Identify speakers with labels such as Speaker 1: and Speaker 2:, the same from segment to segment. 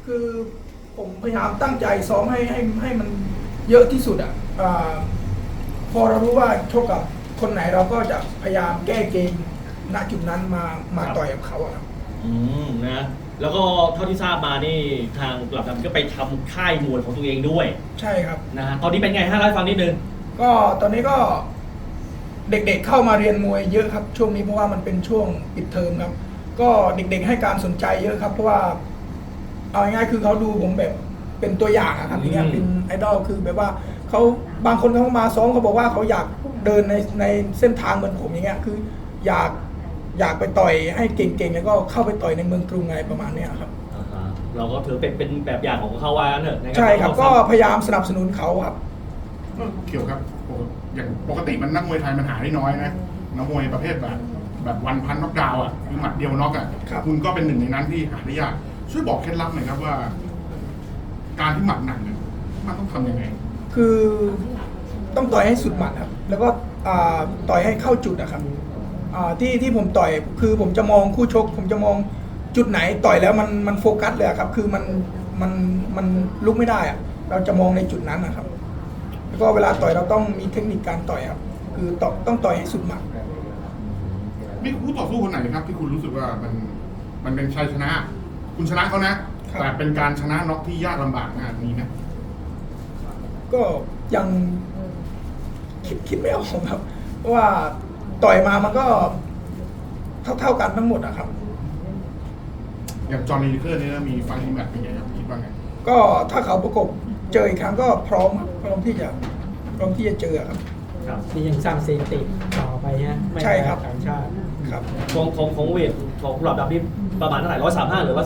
Speaker 1: คือผมพยายามตั้งใจซ้อมให้มันเยอะที่สุดพอเรารู้ว่าชกกับคนไหนเราก็จะพยายามแก้เกมณจุดนั้นมาต่อยกับเขาครับ
Speaker 2: นะแล้วก็เท่าที่ทราบมานี่ทางกลับดำก็ไปทำค่ายมวยของตัวเองด้วย
Speaker 1: ใช่ครับ
Speaker 2: นะตอนนี้เป็นไงฮะเล่าให้ฟังนิดนึง
Speaker 1: ก็ตอนนี้ก็เด็กๆเข้ามาเรียนมวยเยอะครับช่วงนี้เพราะว่ามันเป็นช่วงปิดเทอมครับก็เด็กๆให้การสนใจเยอะครับเพราะว่าเอาง่ายๆคือเขาดูผมแบบเป็นตัวอย่างครับอย่างเงี้ยเป็นไอดอลคือแบบว่าเขาบางคนเขามาซ้อมเขาบอกว่าเขาอยากเดินในเส้นทางเหมือนผมอย่างเงี้ยคืออยากไปต่อยให้เก่งๆแล้วก็เข้าไปต่อยในเมืองกรุงอะไรประมาณนี้ครับ
Speaker 2: เราก็ถือเป็นแบบอย่างของเขาว่าเถอะ
Speaker 1: ใช่ครับก็พยายามสนับสนุนเขาครับ
Speaker 3: เกี่ยวครับอย่างปกติมันนักมวยไทยมันหาได้น้อยนะนักมวยประเภทแบบวันพันน็อกดาวน์คือหมัดเดียวน็อกคุณก็เป็นหนึ่งในนั้นที่หาได้ยากช่วยบอกเคล็ดลับหน่อยครับว่า การที่หมัดหนักเนี่ยมันต้องทำยังไง
Speaker 1: คือต้องต่อยให้สุดหมัดครับแล้วก็ต่อยให้เข้าจุดนะครับที่ผมต่อยคือผมจะมองคู่ชกผมจะมองจุดไหนต่อยแล้วมันโฟกัสเลยครับคือมันลุกไม่ได้เราจะมองในจุดนั้นนะครับแล้วก็เวลาต่อยเราต้องมีเทคนิคการต่อยครับคือต้องต่อยให้สุดหมัด
Speaker 3: มีคู่ต่อสู้คนไหนครับที่คุณรู้สึกว่ามันเป็นชัยชนะคุณชนะเขานะแต่เป็นการชนะน็อกที่ยากลำบากงานนี้นะ
Speaker 1: ก็ยังคิดไม่ออกครับเพราะว่าต่อยมามันก็เท่ากันทั้งหมดอะครับ
Speaker 3: อย่างจอห์นลีลิเกอร์นี่มีฟังทีมแบบเป็นไงครับคิดว่าไง
Speaker 1: ก็ถ้าเขาประกบเจออีกครั้งก็พร้อมที่จะเจอครับ
Speaker 4: นี่ยังสร้างสถิติต่อไปฮะ
Speaker 1: ใช่ครับ
Speaker 4: ต่างชาติ
Speaker 1: ครับ
Speaker 2: ของเวทของกลับดำนี่ประมาณเท่าไหร่135หรือว่า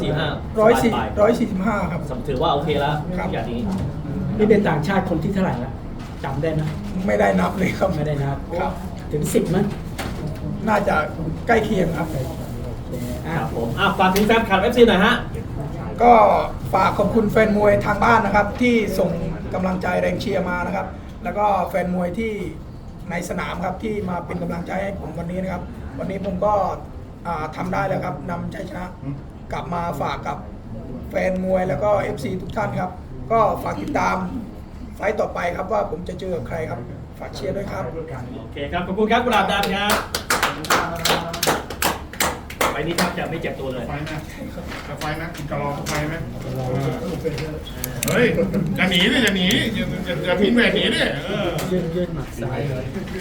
Speaker 1: 145ครับ
Speaker 2: ถือว่าโอเคแล้วอย่างนี้
Speaker 4: นี่เป็นต่างชาติคนที่เท่าไหร่ละจำได้ไหม
Speaker 1: ไม่ได้นับเลยครับ
Speaker 4: ไม่ได้นับถึง10มั้ย
Speaker 1: น่าจะใกล้เคียงครับ
Speaker 2: ครับผมฝากถึงแฟนคลับ FC หน่อยฮะ
Speaker 1: ก็ฝากขอบคุณแฟนมวยทางบ้านนะครับที่ส่งกำลังใจแรงเชียร์มานะครับแล้วก็แฟนมวยที่ในสนามครับที่มาเป็นกำลังใจให้ผมวันนี้นะครับวันนี้ผมก็ทำได้แล้วครับนำชัยชนะกลับมาฝากกับแฟนมวยแล้วก็ FC ทุกท่านครับก็ฝากติดตามไฟต์ต่อไปครับว่าผมจะเจอกับใครครับฝากเชียร์ด้วยครับ
Speaker 2: โอเคครับขอบคุณครับกุหลาบดำครับไปนี่ครับจะไม่เจ็บตัวเลย
Speaker 3: ไฟนะคุณจะรอไฟไหมเฮ้ยจะหนีดิจะหนีจะพิงแหวนหนีดิ
Speaker 4: ยืนหมัดซ้ายเลย